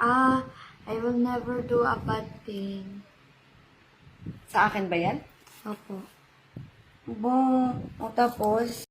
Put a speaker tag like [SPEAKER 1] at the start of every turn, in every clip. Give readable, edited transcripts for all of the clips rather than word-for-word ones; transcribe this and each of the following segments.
[SPEAKER 1] I will never do a bad thing.
[SPEAKER 2] Sa akin ba yan?
[SPEAKER 1] Opo.
[SPEAKER 2] O tapos?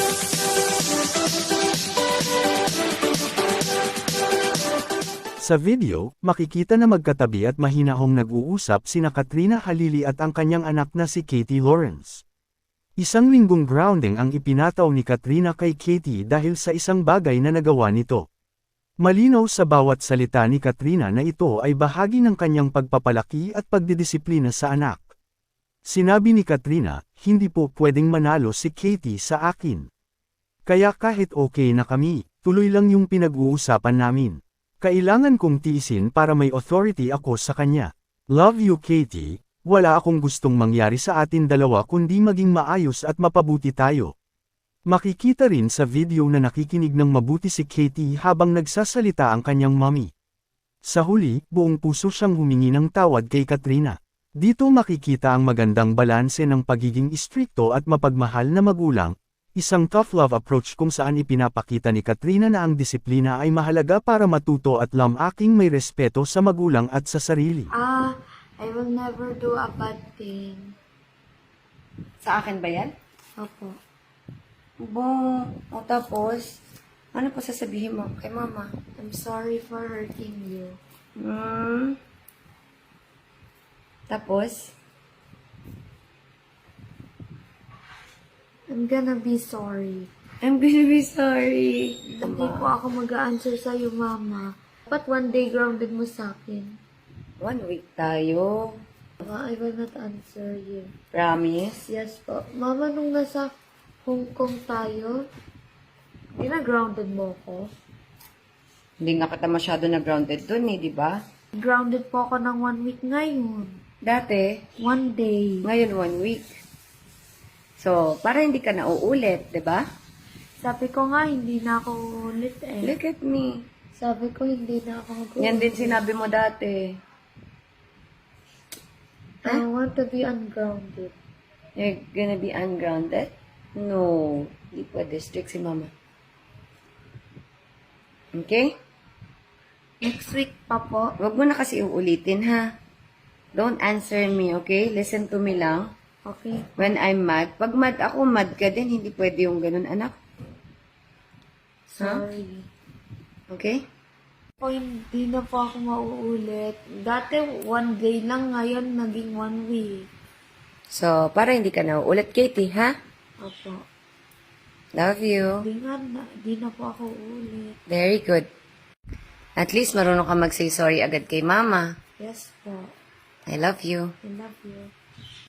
[SPEAKER 3] Sa video, makikita na magkatabi at mahinahong nag-uusap sina Katrina Halili at ang kanyang anak na si Katie Lawrence. Isang linggong grounding ang ipinataw ni Katrina kay Katie dahil sa isang bagay na nagawa nito. Malinaw sa bawat salita ni Katrina na ito ay bahagi ng kanyang pagpapalaki at pagdidisiplina sa anak. Sinabi ni Katrina, hindi po pwedeng manalo si Katie sa akin. Kaya kahit okay na kami, tuloy lang yung pinag-uusapan namin. Kailangan kong tiisin para may authority ako sa kanya. Love you Katie, wala akong gustong mangyari sa atin dalawa kundi maging maayos at mapabuti tayo. Makikita rin sa video na nakikinig ng mabuti si Katie habang nagsasalita ang kanyang mommy. Sa huli, buong puso siyang humingi ng tawad kay Katrina. Dito makikita ang magandang balanse ng pagiging istrikto at mapagmahal na magulang, isang tough love approach kung saan ipinapakita ni Katrina na ang disiplina ay mahalaga para matuto at lamaking may respeto sa magulang at sa sarili.
[SPEAKER 1] I will never do a bad thing.
[SPEAKER 2] Sa akin ba yan?
[SPEAKER 1] Opo.
[SPEAKER 2] O tapos? Ano pa sasabihin mo kay mama?
[SPEAKER 1] I'm sorry for hurting you.
[SPEAKER 2] Tapos?
[SPEAKER 1] I'm gonna be sorry.
[SPEAKER 2] I'm gonna be sorry.
[SPEAKER 1] Hindi po ako mag-a-answer sa'yo, Mama. Ba't one day grounded mo sa akin?
[SPEAKER 2] 1 week tayo.
[SPEAKER 1] I will not answer you.
[SPEAKER 2] Promise?
[SPEAKER 1] Yes po. Mama, nung nasa Hong Kong tayo, grounded mo ko.
[SPEAKER 2] Hindi nga kita masyado na grounded dun di ba?
[SPEAKER 1] Grounded po ako ng 1 week ngayon.
[SPEAKER 2] Dati,
[SPEAKER 1] 1 day.
[SPEAKER 2] ngayon 1 week. So, para hindi ka na uulit, di ba?
[SPEAKER 1] Sabi ko nga, hindi na ako ulit eh.
[SPEAKER 2] Look at me.
[SPEAKER 1] Sabi ko, hindi na ako mag-ulit.
[SPEAKER 2] Yan din sinabi mo dati.
[SPEAKER 1] I want to be ungrounded.
[SPEAKER 2] You're gonna be ungrounded? No. Hindi pwede. Strict si mama. Okay?
[SPEAKER 1] Next week pa po.
[SPEAKER 2] Huwag mo na kasi uulitin, ha? Don't answer me, okay? Listen to me lang.
[SPEAKER 1] Okay.
[SPEAKER 2] When I'm mad. Pag mad ako, mad ka din. Hindi pwede yung ganun, anak.
[SPEAKER 1] Sorry.
[SPEAKER 2] Okay?
[SPEAKER 1] Po, hindi na po ako mauulit. Dati 1 day lang, ngayon naging 1 week.
[SPEAKER 2] So, para hindi ka na uulit, Katie, ha?
[SPEAKER 1] Opo.
[SPEAKER 2] Love you.
[SPEAKER 1] Hindi na po ako uulit.
[SPEAKER 2] Very good. At least marunong ka mag-say sorry agad kay mama.
[SPEAKER 1] Yes po.
[SPEAKER 2] I love you.
[SPEAKER 1] I love you.